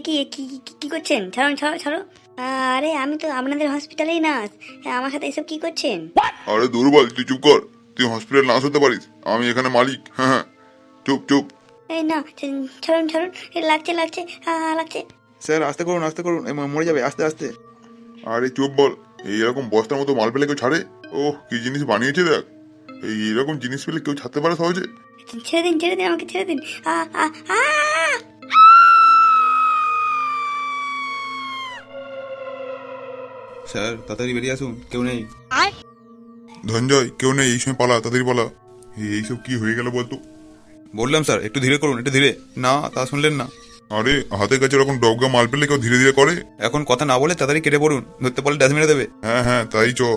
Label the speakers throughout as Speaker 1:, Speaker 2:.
Speaker 1: কি কি কি করছেন? ছাড়ুন, ছাড়ো ছাড়ো। আরে আমি তো আপনাদের হসপিটালেই নার্স। আমার সাথে এসব কি করছেন?
Speaker 2: আরে দুর্বল, তুই চুপ কর। তুই হসপিটাল নার্স হতে পারিস, আমি এখানে মালিক। হ্যাঁ হ্যাঁ, চুপ চুপ।
Speaker 1: এই না, ছাড়ুন ছাড়ুন। লাগছে লাগছে, লাগছে।
Speaker 3: স্যার আস্তে করুন, মরে যাবে, আস্তে আস্তে।
Speaker 2: আরে চুপ বল। এইরকম বস্তার মতো মাল পেলে কেউ ছাড়ে? ওহ, কি জিনিস বানিয়েছে দেখ। এইরকম জিনিস পেলে কেউ ছাড়তে পারে সহজে?
Speaker 1: ছেড়ে দিন আমাকে, ছেড়ে দিন। আ আ আ
Speaker 3: স্যার তাড়াতাড়ি বেরিয়ে আসুন, কেউ নেই।
Speaker 2: ধনঞ্জয়, কেউ নেই, এই সময় পালা, তাড়াতাড়ি পালা। এইসব কি হয়ে গেল বলতো?
Speaker 3: বললাম স্যার একটু ধীরে করুন, একটু ধীরে। না, তা শুনলেন না।
Speaker 2: আরে হাতের কাছে এরকম ডগা মাল পেলে কেউ ধীরে ধীরে করে?
Speaker 3: এখন কথা না বলে তাড়াতাড়ি কেটে পড়ুন, ধরতে পারলে ড্যাশ মেরে দেবে।
Speaker 2: হ্যাঁ হ্যাঁ, তাই চ।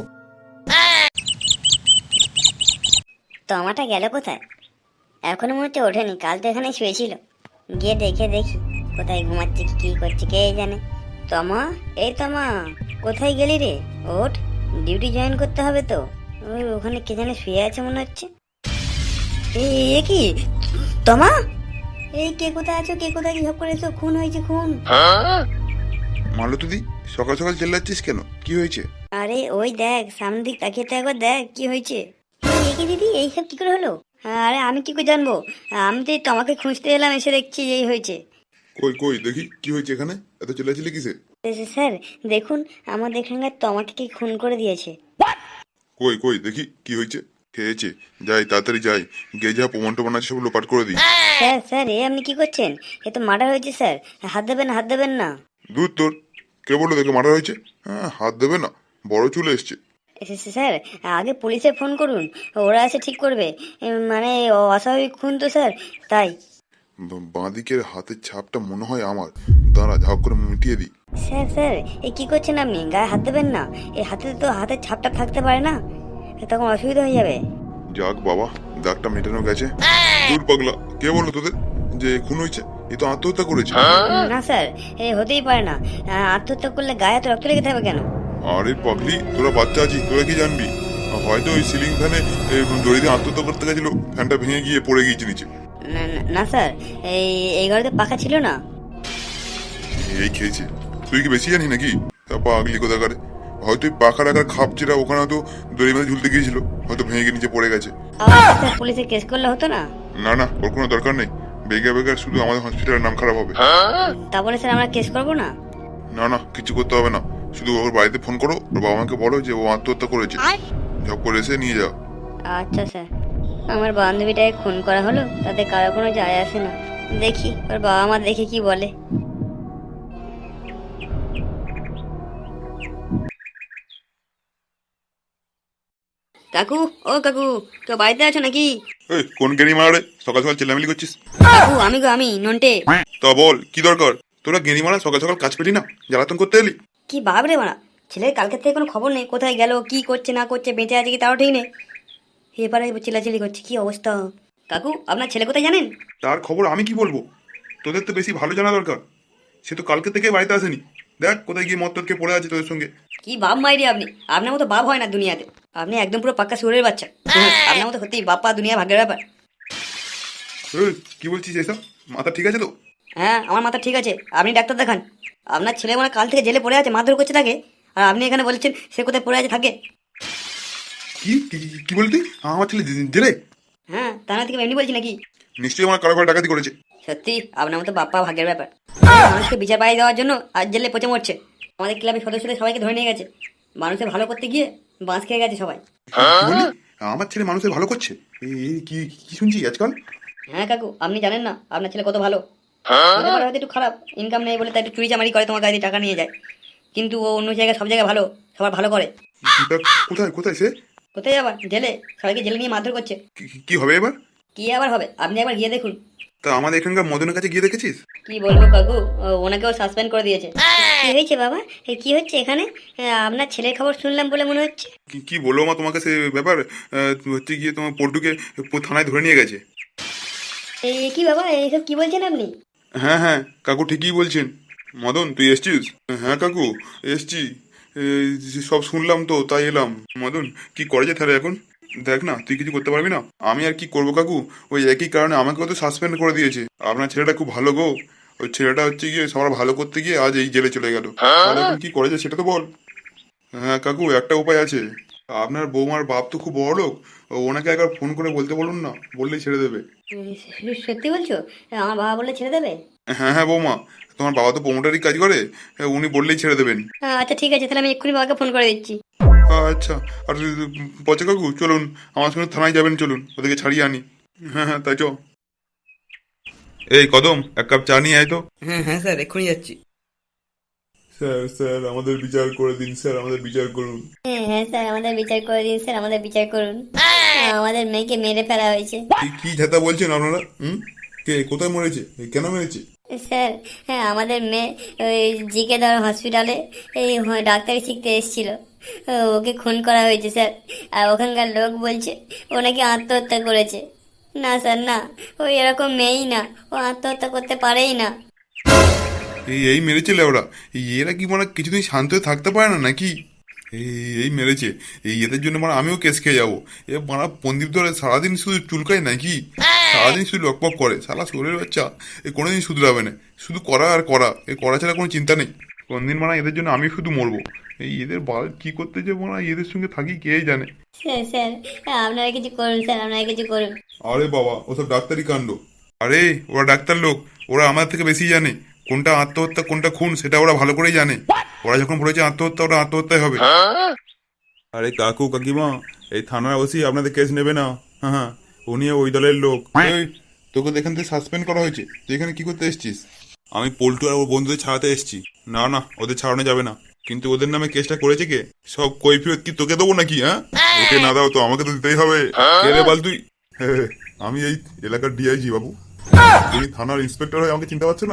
Speaker 1: তমাটা গেল কোথায়? এখনো মনে হচ্ছে ওঠেনি। কাল তো এখানে শুয়েছিল। গিয়ে দেখি কোথায় ঘুমাচ্ছে, কি করছে কে জানে। তমা, এই তমা, কোথায় গেলি রে? ওঠ, ডিউটি জয়েন করতে হবে তো। ওই ওখানে কে জানে শুয়ে আছে মনে হচ্ছে। এ কি তমা? এই কে কোথায় আছো? কে কোথায় কি সব করে এসো? খুন হয়েছে, খুন।
Speaker 3: মালতী, সকাল সকাল চেল্লাচ্ছিস কেন? কি হয়েছে?
Speaker 1: আরে ওই দেখ, সামনের দিক তাকিয়ে তো একবার দেখ কি হয়েছে। এই কি দিদি, এইসব কি করে হলো? আরে আমি কি করে জানবো? আমি তো এই তোমাকে খুঁজতে এলাম, এসে দেখছি এই হয়েছে।
Speaker 2: কই কই দেখি কি হয়েছে এখানে, এত চিল্লাচিল্লি কিসে?
Speaker 1: স্যার দেখুন, আমাদের এখানকার তমাকে কি খুন করে দিয়েছে।
Speaker 2: কই কই দেখি কি হয়েছে। খেয়েছে, যাই তাড়াতাড়ি যাই, গিয়ে যা প্রমাণ টমান আছে সব লোপাট করে দিই।
Speaker 1: স্যার এ আপনি কি করছেন? এ তো মার্ডার হয়েছে স্যার। হাত দেবেন না, হাত দেবেন না।
Speaker 2: দূর তোর, কে বললো দেখে মারা হয়েছে? হ্যাঁ, হাত দেবে না, বড় চলে এসছে।
Speaker 1: স্যার আগে পুলিশে ফোন করুন, ওরা এসে ঠিক করবে। মানে অস্বাভাবিক খুন তো স্যার, তাই।
Speaker 2: বাঁদিকের হাতের ছাপটা মনে হয় আমার। দাঁড়া, ঝাঁক করে মিটিয়ে দিই।
Speaker 1: স্যার এই কি করছেন আপনি? গায়ে হাত দেবেন না। এই হাতে তো হাতের ছাপটা থাকতে পারে না, তখন অসুবিধা হয়ে যাবে।
Speaker 2: যাক বাবা, দাগটা মেটানো গেছে। দূর পাগলা, কে বললো তোদের যে খুন হয়েছে? এ তো আত্মহত্যা করেছে।
Speaker 1: না স্যার, এ হতেই পারে না। আত্মহত্যা করলে গায়ে এত রক্ত লেগে থাকবে কেন?
Speaker 2: আরে পাগলি, তোরা বাচ্চা আছিস, তোরা কি জানবি? হয়তো ওই সিলিং ফ্যানে দড়ি দিয়ে আত্মহত্যা করতে গেছিল, ফ্যানটা ভেঙে গিয়ে পড়ে গিয়েছে নিচে।
Speaker 1: না স্যার, এই ঘরে তো পাখা ছিল না।
Speaker 2: এই খেয়েছে, তুই কি বেশি জানি নাকি? তা পাগলি কোথাকারে। হয়তো ওই পাখা রাখার খাপ যেটা ওখানে হয়তো দড়ি বেঁধে ঝুলতে গিয়েছিল, হয়তো ভেঙে গিয়ে নিচে পড়ে গেছে।
Speaker 1: স্যার পুলিশে কেস করলে হতো না?
Speaker 2: না না, ওর কোনো দরকার নেই। বেগে বেগে শুধু আমাদের হসপিটালের নাম খারাপ হবে।
Speaker 1: তারপরে স্যার আমরা কেস করবো না?
Speaker 2: না না, কিছু করতে হবে না। শুধু ওর বাড়িতে ফোন করো, ওর বাবা মাকে বলো যে ও আত্মহত্যা করেছে, ঝপ করে এসে নিয়ে যাও।
Speaker 1: আচ্ছা স্যার। আমার বান্ধবীটাকে খুন করা হলো, তাতে কারো কোনো যায় আসে না। দেখি ওর বাবা মা দেখে কি বলে। কাকু, ও কাকু, কেউ বাড়িতে আছো নাকি?
Speaker 2: এই কোন গেড়ি মারা? সকাল সকাল চিল্লামিলি করছিস?
Speaker 1: কাকু আমি নন্টে।
Speaker 2: তা বল, কি দরকার? তোরা গেড়ি মারা সকাল সকাল কাজ পেলি না, জ্বালাতন করতে এলি?
Speaker 1: কি বাবরে মারা, ছেলের কালকে থেকে কোনো খবর নেই, কোথায় গেল, কি করছে না করছে, বেঁচে আছে কি তাও ঠিক নেই। এবারে চিল্লাচিল্লি করছে, কি অবস্থা। কাকু আপনার ছেলে কোথায় জানেন?
Speaker 2: তার খবর আমি কি বলবো? তোদের তো বেশি ভালো জানা দরকার। সে তো কালকে থেকে বাড়িতে আসেনি। দেখ কোথায় গিয়ে মদ টদকে পড়ে আছে তোদের সঙ্গে।
Speaker 1: কি বাপ মাইরি আপনি, আপনার মতো বাপ হয় না দুনিয়াতে। আপনি একদম পুরো পাক্কা সুরের বাচ্চা। আপনার মতো সত্যি বাপ্পা দুনিয়া ভাগ্যের ব্যাপার।
Speaker 2: এই, কি বলছিস এসব? মাথা ঠিক আছে তো?
Speaker 1: হ্যাঁ আমার মাথা ঠিক আছে, আপনি ডাক্তার দেখান। আপনার ছেলে মানে কাল থেকে জেলে পড়ে আছে, মারধর করছে তাকে, আর আপনি এখানে বলছেন সে কোথায় পড়ে আছে থাকে।
Speaker 2: কি কি কি বলতি? আমার ছেলে জেলে?
Speaker 1: হ্যাঁ, তা না থেকে এমনি বলছি নাকি?
Speaker 2: নিশ্চয়ই আমার কারো ঘরে ডাকাতি করেছে।
Speaker 1: সত্যি আপনার মতো বাপ্পা ভাগ্যের ব্যাপার। মানুষকে বিচার পাই দেওয়ার জন্য আজ জেলে পচে মরছে। আমাদের ক্লাবের সদস্যদের সবাইকে ধরে নিয়ে গেছে, মানুষের ভালো করতে গিয়ে বাঁশ খেয়ে গেছে সবাই।
Speaker 2: কি বললি? আমার ছেলে মানুষের ভালো করছে? কি কি শুনছি আজকাল?
Speaker 1: হ্যাঁ কাকু, আপনি জানেন না আপনার ছেলে কত ভালো। হতে পারে হয়তো একটু খারাপ, ইনকাম নেই বলে তাই একটু চুরি চামারি করে, তোমার কাছে টাকা নিয়ে যায়, কিন্তু ও অন্য জায়গায় সব জায়গায় ভালো, সবার ভালো করে।
Speaker 2: তা কোথায় কোথায় সে?
Speaker 1: কোথায় আবার জেলে, সবাইকে জেলে নিয়ে মারধর করছে।
Speaker 2: কি হবে এবার?
Speaker 1: কি আবার হবে, আপনি একবার গিয়ে দেখুন।
Speaker 2: তা আমাদের এখানকার মদনের কাছে গিয়ে দেখেছিস?
Speaker 1: কি বলবো কাকু, ওনাকেও সাসপেন্ড করে দিয়েছে। কি হয়েছে বাবা, কি হচ্ছে এখানে? আপনার ছেলের খবর শুনলাম বলে মনে হচ্ছে।
Speaker 2: কি বলবো মা তোমাকে সে ব্যাপার? হচ্ছে গিয়ে তোমার পল্টুকে থানায় ধরে নিয়ে গেছে।
Speaker 1: এই কি বাবা, এইসব কি বলছেন আপনি?
Speaker 2: হ্যাঁ হ্যাঁ, কাকু ঠিকই বলছেন। মদন, তুই এসছিস? হ্যাঁ কাকু, এসছি। সব শুনলাম তো, তাই এলাম। মদন, কি করে যে তাহলে এখন? দেখ না, তুই কিছু করতে পারবি না। আমি আর কি করবো কাকু, ওই একই কারণে আমাকেও তো সাসপেন্ড করে দিয়েছে। আপনার ছেলেটা খুব ভালো গো, ওই ছেলেটা হচ্ছে গিয়ে সবার ভালো করতে গিয়ে আজ এই জেলে চলে গেল। তাহলে এখন কি করা যায় সেটা তো বল। হ্যাঁ কাকু, একটা উপায় আছে। আপনার বৌমার বাপ তো খুব বড় লোক, ওনাকে একবার ফোন করে বলতে বলুন না, বললেই ছেড়ে দেবে।
Speaker 1: সত্যি বলছো? আমার বাবা বলে ছেড়ে দেবে?
Speaker 2: হ্যাঁ হ্যাঁ বৌমা, তোমার বাবা তো প্রোমোটারই কাজ করে, উনি বললেই ছেড়ে দেবেন।
Speaker 1: আচ্ছা ঠিক আছে, তাহলে আমি এক্ষুনি বাবাকে ফোন করে দিচ্ছি।
Speaker 2: আচ্ছা। আর পচা কাকু চলুন, আমার সঙ্গে থানায় যাবেন, চলুন ওদেরকে ছাড়িয়ে আনি। হ্যাঁ হ্যাঁ তাই চ। এই কদম, এক কাপ চা নিয়ে আয় তো।
Speaker 4: হ্যাঁ হ্যাঁ স্যার, এক্ষুনি যাচ্ছি।
Speaker 2: স্যার স্যার আমাদের বিচার করে দিন স্যার, আমাদের বিচার করুন।
Speaker 1: হ্যাঁ স্যার, আমাদের বিচার করে দিন স্যার, আমাদের বিচার করুন। আমাদের মেয়েকে মেরে ফেলা হয়েছে।
Speaker 2: কি ঝাতা বলছেন আপনারা? কে কোথায় মরেছে, কেন মেরেছে?
Speaker 1: স্যার, হ্যাঁ আমাদের মেয়ে ওই জিকে ধর হসপিটালে এই ডাক্তারি শিখতে এসেছিল, ওকে খুন করা হয়েছে স্যার। আর ওখানকার লোক বলছে ও নাকি আত্মহত্যা করেছে। না স্যার না, ওই এরকম মেয়েই না, ও আত্মহত্যা করতে পারেই না।
Speaker 2: এই মেরেছে ওরা? এরা কি মানে কিছুদিন শান্ত হয়ে থাকতে পারে না নাকি? এই মেরেছে, এদের জন্য মানে আমিও কেস খেয়ে যাবো। মারা পন্দীপ ধরে সারাদিন শুধু চুলকায় নাকি, সারাদিন শুধু লকপক করে, সারা শরীরের বাচ্চা কোনোদিন শুধরাবে না, শুধু করা আর করা, করা ছাড়া কোনো চিন্তা নেই। কোনদিন মানে এদের জন্য আমি শুধু মরবো। এদের বাল কি করতে যে মানে এদের সঙ্গে থাকি কে জানে।
Speaker 1: স্যার স্যার, আপনারা কিছু করুন স্যার, আপনারা কিছু করুন।
Speaker 2: আরে বাবা, ওসব ডাক্তারি কাণ্ড। আরে ওরা ডাক্তার লোক, ওরা আমাদের থেকে বেশি জানে কোনটা আত্মহত্যা কোনটা খুন, সেটা ওরা ভালো করেই জানে। ওরা যখন বলেছে আত্মহত্যা, ওরা আত্মহত্যাই হবে। আরে কাকু কাকিমা, এই থানার ওসি আপনাদের কেস নেবে না। হ্যাঁ হ্যাঁ, উনি ওই দলের লোক। এই, তোকে এখান থেকে সাসপেন্ড করা হয়েছে, তুই এখানে কি করতে এসেছিস? আমি পল্টু আর ওর বন্ধুদের ছাড়াতে এসেছি। না না, ওদের ছাড়ানো যাবে না। কিন্তু ওদের নামে কেসটা করেছে কে? সব কৈফিয়ত কি তোকে দেবো নাকি? হ্যাঁ, ওকে না দাও তো আমাকে তো দিতেই হবে। কে রে বল তুই? আমি এই এলাকার ডিআইজি বাবু। তুমি থানার ইন্সপেক্টর হয়ে আমাকে চিনতে পারছো না?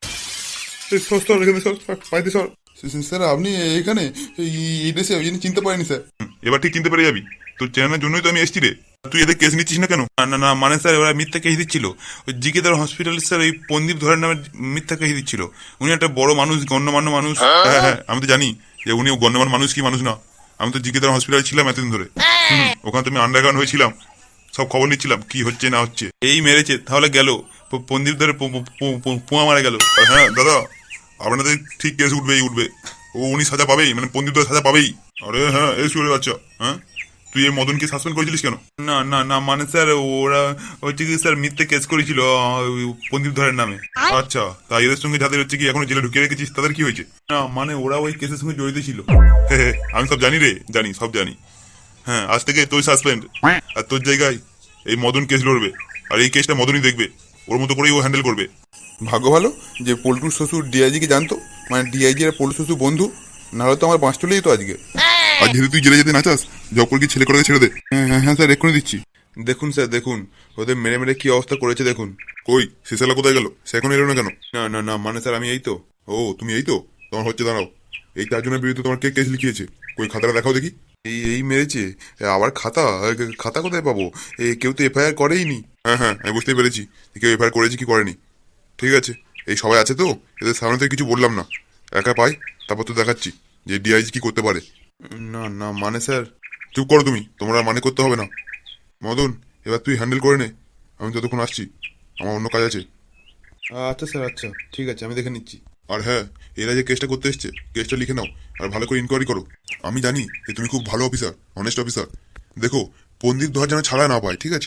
Speaker 2: স্যার আপনি এখানে এই দেশে ওই জন্য চিনতে পারিনি স্যার। এবার ঠিক চিনতে পেরে যাবি, তোর চেনার জন্যই তো আমি এসেছি রে। তুই এদের কেস নিচ্ছিস না কেন? না না না, মানে স্যার ওরা মিথ্যা কেস দিচ্ছিল। ওই জিকেদার হসপিটাল স্যার ওই পন্দীপ ধরের নামে মিথ্যা কেস দিচ্ছিল। উনি একটা বড় মানুষ, গণ্যমান্য মানুষ। হ্যাঁ হ্যাঁ, আমি তো জানি যে উনি গণ্যমান্য মানুষ কি মানুষ না। আমি তো জিকেদার হসপিটালে ছিলাম এতদিন ধরে। ওখানে তো আমি আন্ডারগ্রাউন্ড হয়েছিলাম, সব খবর নিচ্ছিলাম কি হচ্ছে না হচ্ছে। এই মেরেছে তাহলে গেল, পন্দীপ ধরে পোয়া মারা গেল। হ্যাঁ দাদা, আপনাদের ঠিক কেস উঠবেই উঠবে। উনি সাজা পাবেই, মানে পন্ডিত সাজা পাবেই। আরে হ্যাঁ, এই শুরু বাচ্চা। হ্যাঁ, তুই এই মদনকে সাসপেন্ড করেছিলিস কেন? না না না, মানে স্যার ওরা হচ্ছে কি স্যার মিথ্যে কেস করেছিল পন্ডিত ধরের নামে। আচ্ছা, তাই এদের সঙ্গে যাদের হচ্ছে কি এখনো জেলে ঢুকিয়ে রেখেছিস তাদের কি হয়েছে? না মানে ওরা ওই কেসের সঙ্গে জড়িত ছিল। হ্যাঁ, আমি সব জানি রে, জানি সব জানি। হ্যাঁ, আজ থেকে তুই সাসপেন্ড, আর তোর জায়গায় এই মদন কেস লড়বে। আর এই কেসটা মদনই দেখবে, ওর মতো করেই ও হ্যান্ডেল করবে। ভাগ্য ভালো যে পল্টুর শ্বশুর ডিআইজিকে জানতো, মানে ডিআইজি আর পল্টুর শ্বশুর বন্ধু, নাহলে তো আমার বাঁশ চলে যেত আজকে। আর যেহেতু তুই জেলে যেতে না চাস, জব করে কি ছেলে করে ছেড়ে দে। হ্যাঁ হ্যাঁ হ্যাঁ স্যার, এক্ষুনি দিচ্ছি। দেখুন স্যার দেখুন, ওদের মেরে মেরে কি অবস্থা করেছে দেখুন। কই সিসালা কোথায় গেল? সে এখন এলো না কেন? না না না, মানে স্যার আমি এই তো। ও তুমি এই তো, তোমার হচ্ছে দাঁড়াও। এই 4 জনের বিরুদ্ধে তোমার কে কেস লিখিয়েছে? কই খাতাটা দেখাও দেখি। এই মেরেছে আবার খাতা? খাতা কোথায় পাবো? কেউ তো এফআইআর করেইনি। হ্যাঁ হ্যাঁ, আমি বুঝতেই পেরেছি কেউ এফআইআর করেছে কি করেনি। ঠিক আছে, এই সবাই আছে তো, এদের সামনে থেকে কিছু বললাম না, একা পাই তারপর তো দেখাচ্ছি যে ডিআইজি কি করতে পারে। না না মানে স্যার। চুপ করো তুমি, তোমরা মানে করতে হবে না। মদন, এবার তুই হ্যান্ডেল করে নে, আমি ততক্ষণ আসছি, আমার অন্য কাজ আছে। আচ্ছা স্যার, আচ্ছা ঠিক আছে, আমি দেখে নিচ্ছি। আর হ্যাঁ, এরা যে কেসটা করতে এসছে, কেসটা লিখে নাও আর ভালো করে ইনকোয়ারি করো। আমি জানি যে তুমি খুব ভালো অফিসার, অনেস্ট অফিসার। দেখো, পন্ডিত ধর যেন ছাড়া না পায়, ঠিক আছে?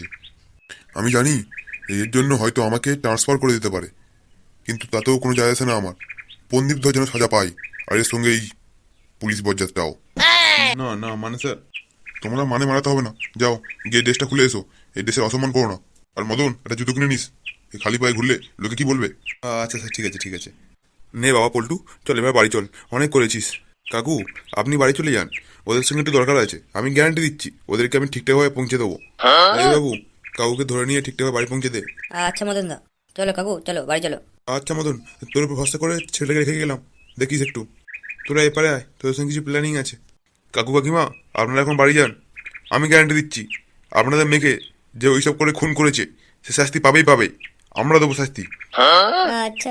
Speaker 2: আমি জানি এর জন্য হয়তো আমাকে ট্রান্সফার করে দিতে পারে, কিন্তু তাতেও কোনো যায় আসে না আমার। পন্ডিত ধর যেন সাজা পাই, আর এর সঙ্গে এই পুলিশ বজ্জাতটাও। না না মানে স্যার, তোমরা মানে মারাতে হবে না। যাও গিয়ে ড্রেসটা খুলে এসো, এই ড্রেসের অসম্মান করো না। আর মদন, একটা জুতো কিনে নিস, এই খালি পায়ে ঘুরলে লোকে কি বলবে? আচ্ছা স্যার, ঠিক আছে ঠিক আছে। নে বাবা পল্টু, চল এবার বাড়ি চল, অনেক করেছিস। কাকু, আপনি বাড়ি চলে যান, ওদের সঙ্গে একটু দরকার আছে। আমি গ্যারান্টি দিচ্ছি ওদেরকে আমি ঠিকঠাকভাবে পৌঁছে দেবো। এই বাবু, কাকুকে ধরে নিয়ে ঠিকঠাকভাবে বাড়ি পৌঁছে দে।
Speaker 1: আচ্ছা মদন দা, চলো কাকু, চলো বাড়ি চলো।
Speaker 2: আচ্ছা মদন, তোর উপর ভরসা করে ছেলেটাকে রেখে গেলাম, দেখিস একটু। তোরা এপারে আয়, তোদের সঙ্গে কিছু প্ল্যানিং আছে। কাকু কাকিমা, আপনারা এখন বাড়ি যান। আমি গ্যারান্টি দিচ্ছি আপনাদের মেয়েকে যে ওইসব করে খুন করেছে সে শাস্তি পাবেই পাবে, আমরা দেবো শাস্তি।
Speaker 1: আচ্ছা,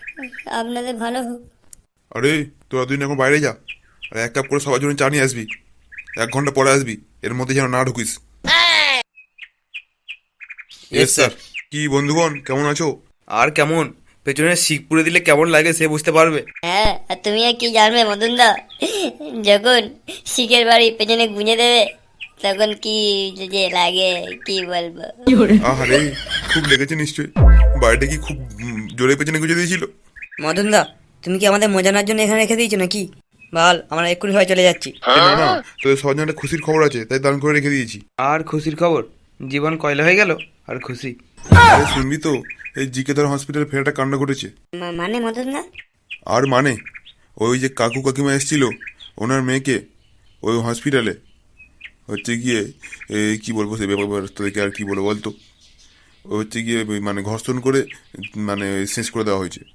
Speaker 1: আপনাদের ভালো হোক।
Speaker 2: আরে তোরা দুদিন এখন বাইরে যা, আর 1 কাপ করে সবার জন্য চা নিয়ে আসবি। 1 ঘন্টা পরে আসবি, এর মধ্যে যেন না ঢুকিস।
Speaker 4: Yes sir.
Speaker 2: কি বন্ধুগণ, কেমন আছো?
Speaker 4: আর কেমন,
Speaker 3: পেছনে শিক পুড়ে দিলে কেমন লাগে সে বুঝতে পারবে।
Speaker 1: হ্যাঁ, আর তুমি আর কি জানবে মদনদা, যখন শিখের বাড়ি পেছনে গুঁজে দেবে তখন কি যে লাগে কি বলবো।
Speaker 2: আরে খুব লেগেছে নিশ্চয়ই। বাড়িটা কি খুব জোরে পেছনে গুঁজে দিয়েছিল?
Speaker 1: মদনদা, তুমি কি আমাদের মজানোর জন্য এখানে রেখে দিয়েছো নাকি? বল, আমরা এক্ষুনি হয় চলে যাচ্ছি।
Speaker 2: না না, তোদের সবার জন্য একটা খুশির খবর আছে, তাই দান করে রেখে দিয়েছি।
Speaker 3: আর খুশির খবর? জীবন কয়লা হয়ে গেল আর খুশি?
Speaker 2: আরে শুনবি তো, এই জিকেদার হসপিটালে ফের একটা কাণ্ড ঘটেছে।
Speaker 1: মানে মদনদা?
Speaker 2: আর মানে, ওই যে কাকু কাকিমা এসেছিল ওনার মেয়েকে ওই হসপিটালে হচ্ছে গিয়ে কি বলবো সে ব্যাপার তোদেরকে আর কি বলবো বলতো, ও হচ্ছে গিয়ে মানে ঘর্ষণ করে মানে শেষ করে দেওয়া হয়েছে।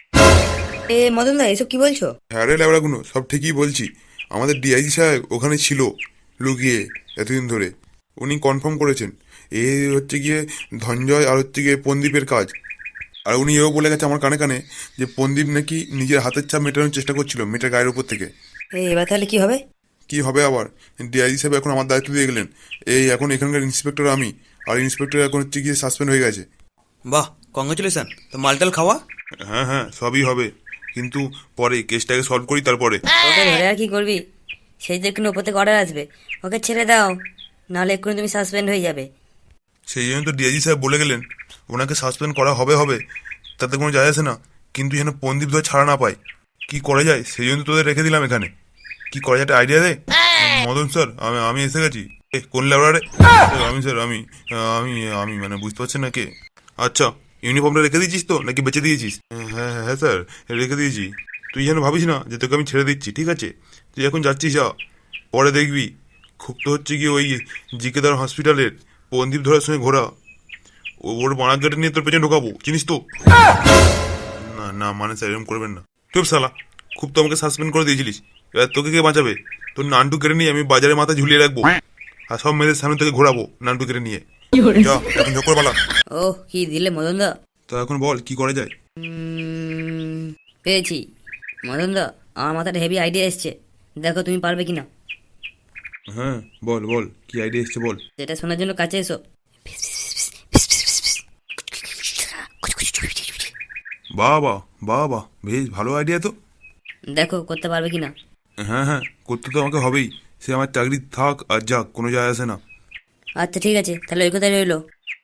Speaker 1: এ মদনদা, এসব কি বলছো?
Speaker 2: হ্যাঁ রে ল্যাবড়াগুনো, সব ঠিকই বলছি। আমাদের ডিআইজি সাহেব ওখানে ছিল লুকিয়ে এতদিন ধরে। উনি কনফার্ম করেছেন এ হচ্ছে গিয়ে ধনঞ্জয় আর হচ্ছে গিয়ে পন্দীপের কাজ। আর উনি এও বলে গেছে আমার কানে কানে যে পন্দীপ নাকি নিজের হাতের ছাপ মেটানোর চেষ্টা করছিল মেয়েটার গায়ের উপর থেকে।
Speaker 1: এবার তাহলে কি হবে?
Speaker 2: কি হবে আবার, ডিআইজি সাহেব এখন আমার দায়িত্ব দিয়ে গেলেন। এই এখন এখানকার ইন্সপেক্টর আমি, আর ইন্সপেক্টর এখন হচ্ছে গিয়ে সাসপেন্ড হয়ে গেছে।
Speaker 3: বাহ, কংগ্রেচুলেশন। তো মালটাল খাওয়া?
Speaker 2: হ্যাঁ হ্যাঁ, সবই হবে, কিন্তু পরে কেসটাকে সলভ করি তারপরে।
Speaker 1: ওকে ধরে আর কি করবি? সেই তো এক্ষুনি ওপর থেকে অর্ডার আসবে, ওকে ছেড়ে দাও, নাহলে এক্ষুনি তুমি সাসপেন্ড হয়ে যাবে।
Speaker 2: সেই জন্য তো ডিআইজি সাহেব বলে গেলেন ওনাকে সাসপেন্ড করা হবে হবে, তাতে কোনো যায় আসে না, কিন্তু যেন পন্দীপ ধরে ছাড়া না পায়। কি করা যায় সেই জন্য তোদের রেখে দিলাম এখানে। কি করা যায় একটা আইডিয়া দে। মদন স্যার, আমি এসে গেছি। কোন ল্যাবড়ারে? আমি স্যার, আমি আমি আমি মানে বুঝতে পারছেন না কে? আচ্ছা, ইউনিফর্মটা রেখে দিয়েছিস তো নাকি বেঁচে দিয়েছিস? হ্যাঁ হ্যাঁ হ্যাঁ স্যার, রেখে দিয়েছি। তুই যেন ভাবিস না যে তোকে আমি ছেড়ে দিচ্ছি, ঠিক আছে? তুই এখন যাচ্ছিস যা, পরে দেখবি খুব তো হচ্ছে গিয়ে ওই জিকেদার হসপিটালের পন্দীপ ধরার সঙ্গে ঘোরা, ওর বাড়া গেটে নিয়ে তোর পেছনে ঢোকাবো, চিনিস তো? না না মানে স্যার এরকম করবেন না। চুপ শালা, খুব তো আমাকে সাসপেন্ড করে দিয়েছিলিস, এবার তোকে কে বাঁচাবে? তোর নানটু কেড়ে নিয়ে আমি বাজারে মাথা ঝুলিয়ে রাখবো, আর সব মেয়েদের সামনে থেকে ঘোরাবো নানটু কেড়ে নিয়ে। যা এখন ঝকর বালা।
Speaker 1: ও কি দিলে মদনদা?
Speaker 2: তো এখন বল কি করা যায়?
Speaker 1: পেয়েছি মদনদা, আমার মাথায় হেভি আইডিয়া এসছে, দেখো তুমি পারবে কিনা।
Speaker 2: হ্যাঁ বল বল, কি আইডিয়া এসছে বল।
Speaker 1: সেটা শোনার জন্য কাছে এসো।
Speaker 2: বাহ বাহ বাহ বাহ, বেশ ভালো আইডিয়া তো।
Speaker 1: দেখো করতে পারবে কিনা।
Speaker 2: হ্যাঁ হ্যাঁ, করতে তো আমাকে হবেই, সে আমার চাকরি থাক আর যাক কোনো যায় আসে না।
Speaker 1: আচ্ছা ঠিক আছে, তাহলে ওই কথাই রইলো।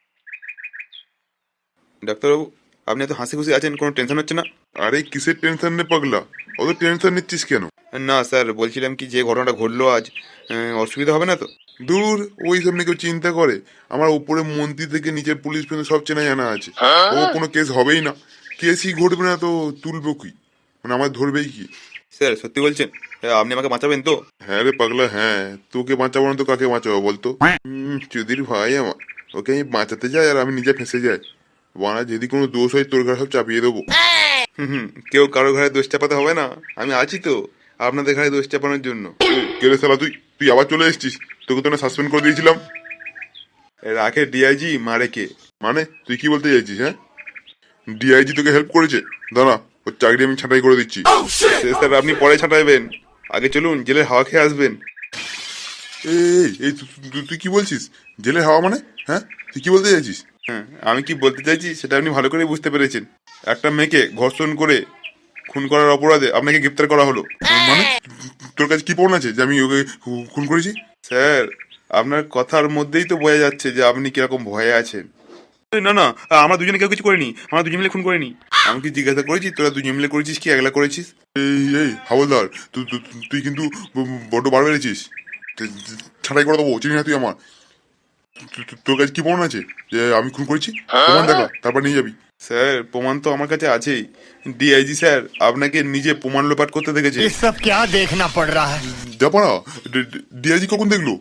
Speaker 3: ডাক্তারবাবু, আপনি এত হাসি খুশি আছেন, কোনো টেনশন হচ্ছে না?
Speaker 2: আরে কিসের টেনশন নে পাগলা, অত টেনশন নিচ্ছিস কেন?
Speaker 3: না স্যার, বলছিলাম কি যে ঘটনাটা ঘটলো আজ, অসুবিধা হবে না তো?
Speaker 2: দূর, ওই সব নিয়ে কেউ চিন্তা করে? আমার উপরে মন্ত্রী থেকে নিচের পুলিশ পর্যন্ত সব চেনা জানা আছে। ও কোনো কেস হবেই না, কেসই ঘটবে না তো তুলবো কি, মানে আমার ধরবেই কি?
Speaker 3: স্যার সত্যি বলছেন? আপনি আমাকে বাঁচাবেন তো?
Speaker 2: হ্যাঁ রে পাগলা, হ্যাঁ, তোকে বাঁচাবো না তো কাকে বাঁচাবো বলতো? চুদির ভাই আমার, ওকে আমি বাঁচাতে যাই আর আমি নিজে ফেঁসে যাই। বানা যদি কোনো দোষ হয় তোর ঘরে সব চাপিয়ে দেবো।
Speaker 3: কেউ কারো ঘরে দোষ চাপাতে হবে না, আমি আছি তো আপনাদের ঘরে দোষ চাপানোর জন্য।
Speaker 2: কেরে শালা, তুই তুই আবার চলে এসেছিস? তোকে তো না সাসপেন্ড করে দিয়েছিলাম।
Speaker 3: রাখে ডিআইজি, মারে কে?
Speaker 2: মানে তুই কি বলতে চাইছিস? হ্যাঁ, ডিআইজি তোকে হেল্প করেছে? দাঁড়া, ওর চাকরি আমি ছাঁটাই করে দিচ্ছি।
Speaker 3: সে স্যার আপনি পরে ছাঁটাইবেন, আগে চলুন জেলের হাওয়া খেয়ে আসবেন।
Speaker 2: এই এই তুই কি বলছিস? জেলের হাওয়া মানে? হ্যাঁ, তুই কি বলতে চাইছিস?
Speaker 3: হ্যাঁ, আমি কি বলতে চাইছি সেটা আপনি ভালো করে বুঝতে পেরেছেন। একটা মেয়েকে ধর্ষণ করে খুন করার অপরাধে আপনাকে গ্রেপ্তার করা হলো।
Speaker 2: মানে তোর কাছে কি প্রমাণ আছে যে আমি ওকে খুন করেছি?
Speaker 3: স্যার, আপনার কথার মধ্যেই তো বোঝা যাচ্ছে যে আপনি কিরকম ভয়ে আছেন। না না, আমরা দুজনে কেউ কিছু করিনি, আমরা দুজন মিলে খুন করিনি। আমি কি জিজ্ঞাসা করেছি তোরা দুজন মিলে করেছিস কি একলা করেছিস?
Speaker 2: এই হাওলদার, তুই কিন্তু বড্ড বার বেড়েছিস। ছাঁটাই করে দেবো, চিনি না তুই আমার। তোর কাছে কি প্রমাণ আছে যে আমি খুন করেছি? প্রমাণ দেখা, তারপর নিয়ে যাবি।
Speaker 3: স্যার প্রমাণ তো আমার কাছে আছেই, ডিআইজি স্যার আপনাকে নিজে প্রমাণ লোপাট করতে দেখেছে।
Speaker 4: ये सब क्या देखना पड़ रहा है?
Speaker 2: যাপানা, ডিআইজি কখন দেখলো?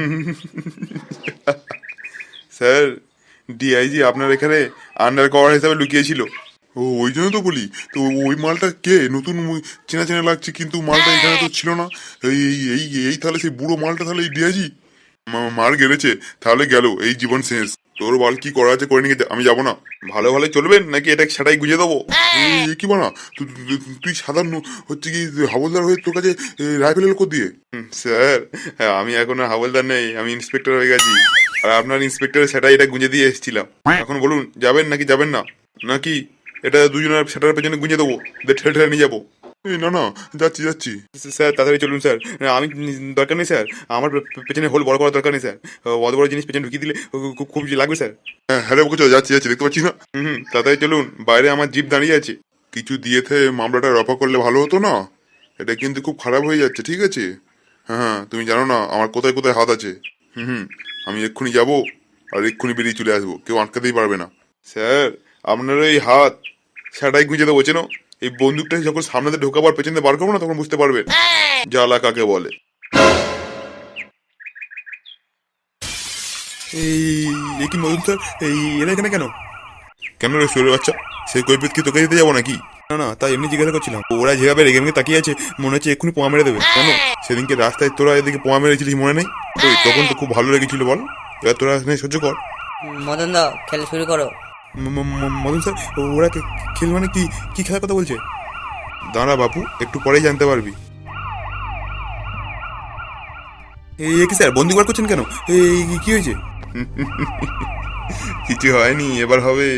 Speaker 3: স্যার ডিআইজি আপনার এখানে আন্ডার কভার হিসাবে লুকিয়েছিল।
Speaker 2: ও ওই জন্য তো বলি, তো ওই মালটা কে নতুন চেনা চেনা লাগছে, কিন্তু মালটা এখানে তো ছিল না। এই এই এই এই তাহলে সেই বুড়ো মালটা তাহলে এই ডিআইজি মার গেলেছে, তাহলে গেল এই জীবন শেষ। তোর বল কি করা আছে করে নিয়ে আমি যাবো না।
Speaker 3: ভালো ভালো চলবেন নাকি এটা সেটাই গুঁজে দেবো?
Speaker 2: কি বানা, তুই সাধারণ হচ্ছে কি হাবলদার হয়ে তোর কাছে রাইফেল এলো দিয়ে?
Speaker 3: স্যার আমি এখন আর হাওলদার নেই, আমি ইন্সপেক্টর হয়ে গেছি। আর আপনার ইন্সপেক্টরের সেটাই এটা গুঁজে দিয়ে এসেছিলাম। এখন বলুন যাবেন নাকি যাবেন না, নাকি এটা দুজনের সেটার পেছনে গুঁজে দেবো, ঠেলে ঠেলে নিয়ে যাবো। এই না না, যাচ্ছি যাচ্ছি। স্যার তাড়াতাড়ি চলুন স্যার, আমি দরকার নেই স্যার, আমার পেছনে হোল বড় করার দরকার নেই স্যার, অত বড় জিনিস পেছনে ঢুকিয়ে দিলে খুব লাগবে স্যার। হ্যাঁ রে বলছো, যাচ্ছি যাচ্ছি, দেখতে পাচ্ছি না। তাড়াতাড়ি চলুন, বাইরে আমার জিপ দাঁড়িয়ে আছে। কিছু দিয়েতে মামলাটা রফা করলে ভালো হতো না? এটা কিন্তু খুব খারাপ হয়ে যাচ্ছে, ঠিক আছে? হ্যাঁ তুমি জানো না আমার কোথায় কোথায় হাত আছে। আমি এক্ষুনি যাব আর এক্ষুনি বেরিয়ে চলে আসবো, কেউ আটকাতেই পারবে না। স্যার আপনার এই হাত সেটাই গুঁজে দেবো, চেনো? এই বন্দুকটা যখন সামনে ঢোকাবার পেছনে বার করবো না, তখন বুঝতে পারবেন জ্বালা কাকে বলে। এই কি মদন স্যার, এরা এখানে কেন? কেন রে শুয়ে বাচ্চা, সেই কৈফিয়ত কি তোকে দিতে যাবো নাকি? না না, তাই এমনি জিজ্ঞাসা করছিলাম। ওরা যেভাবে রেগে মেগে তাকিয়ে আছে, মনে হচ্ছে এক্ষুনি পোয়া মেরে দেবে। কেন সেদিনকে রাস্তায় তোরা এদিকে পোয়া মেরেছিলিস মনে নেই? ওই তখন তো খুব ভালো লেগেছিল বল, এবার তোরা এখানে সহ্য কর।
Speaker 1: মদন দা, খেলা শুরু করো।
Speaker 3: মদন স্যার, ওরা খেল মানে কি কি খেলার কথা বলছে? দাঁড়া বাপু, একটু পরেই জানতে পারবি। এই কি স্যার, বন্দুক বার করছেন কেন? এই কি হয়েছে? কিছু হয়নি, এবার হবে।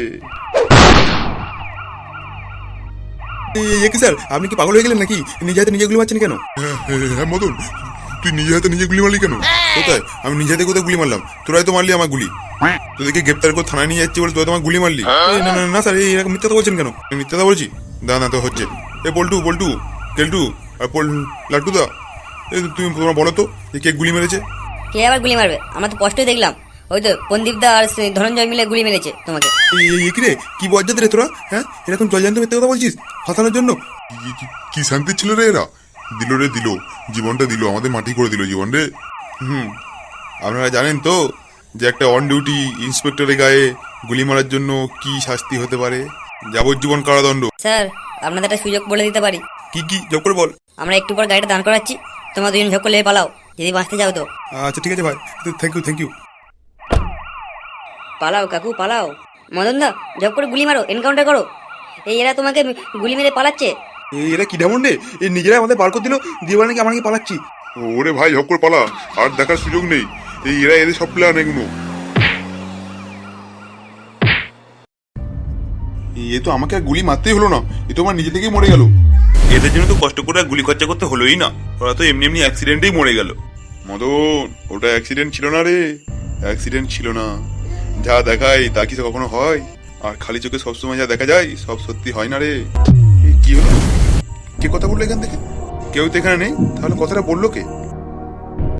Speaker 3: কি স্যার, আপনি কি পাগল হয়ে গেলেন নাকি? নিজে হাতে নিজে গুলি মারছেন কেন? হ্যাঁ মদন, তুই নিজে হাতে নিজে গুলি মারলি কেন? কোথায়? আমি নিজে হাতে কোথায় গুলি মারলাম? তোরাই তো মারলি আমার গুলি। তোদেরকে গ্রেপ্তার করে থানায় নিয়ে যাচ্ছি বলে তোরা তোমার গুলি মারলি? না না না স্যার, এরকম মিথ্যা বলছেন কেন? মিথ্যা বলছি? না তো হচ্ছে। এ পল্টু পল্টু কেলটু আর লাট্টু দা, তুমি তোমরা বলো তো কে গুলি মেরেছে?
Speaker 1: কে আবার গুলি মারবে? আমরা তো স্পষ্টই দেখলাম, ওই তো পন্দীপ দা আর ধনঞ্জয় মিলে গুলি মেরেছে তোমাকে।
Speaker 3: কি রে, কি বজ্জাত রে তোরা? হ্যাঁ, এরকম জলজান্ত মিথ্যা কথা বলছিস ফাঁসানোর জন্য? কি শান্তি ছিল রে এরা? দিল রে দিল, জীবনটা দিল, আমাদের মাটি করে দিল জীবন রে। আপনারা জানেন তো যে একটা অন ডিউটি ইন্সপেক্টরের গায়ে গুলি মারার জন্য কি শাস্তি হতে পারে? যাবজ্জীবন কারাদণ্ড।
Speaker 1: স্যার, আপনাদের একটা সুযোগ বলে দিতে পারি।
Speaker 3: কি জব করে বল।
Speaker 1: আমরা একটু পর গাড়িটা দাঁড় করাচ্ছি, তোমরা দুজন ঝক করলে পালাও, যদি বাঁচতে যাও তো।
Speaker 3: আচ্ছা ঠিক আছে ভাই, থ্যাংক ইউ।
Speaker 1: পালাও কাকু পালাও। মদন দা, ঝক করে গুলি মারো, এনকাউন্টার করো। এই এরা তোমাকে গুলি মেরে পালাচ্ছে।
Speaker 3: এরা কি ঢেমন রে, এই নিজেরা আমাদের বার করে দিল, দিয়ে বলে নাকি আমরা কি পালাচ্ছি। ওরে ভাই ঝক করে পালা, আর দেখার সুযোগ নেই। এরা এদের সব প্ল্যান এগুলো। এ তো আমাকে আর গুলি মারতেই হলো না, এ তো আমার নিজে থেকেই মরে গেল। এদের জন্য তো কষ্ট করে গুলি খরচা করতে হলোই না, ওরা তো এমনি এমনি অ্যাক্সিডেন্টেই মরে গেল। মদন, ওটা অ্যাক্সিডেন্ট ছিল না রে, অ্যাক্সিডেন্ট ছিল না। যা দেখায় তা কি কখনো হয়? আর খালি চোখে সবসময় যা দেখা যায় সব সত্যি হয় না রে। কি হলো? কে কথা বললো এখান থেকে? কেউ তো এখানে নেই, তাহলে কথাটা বললো কে?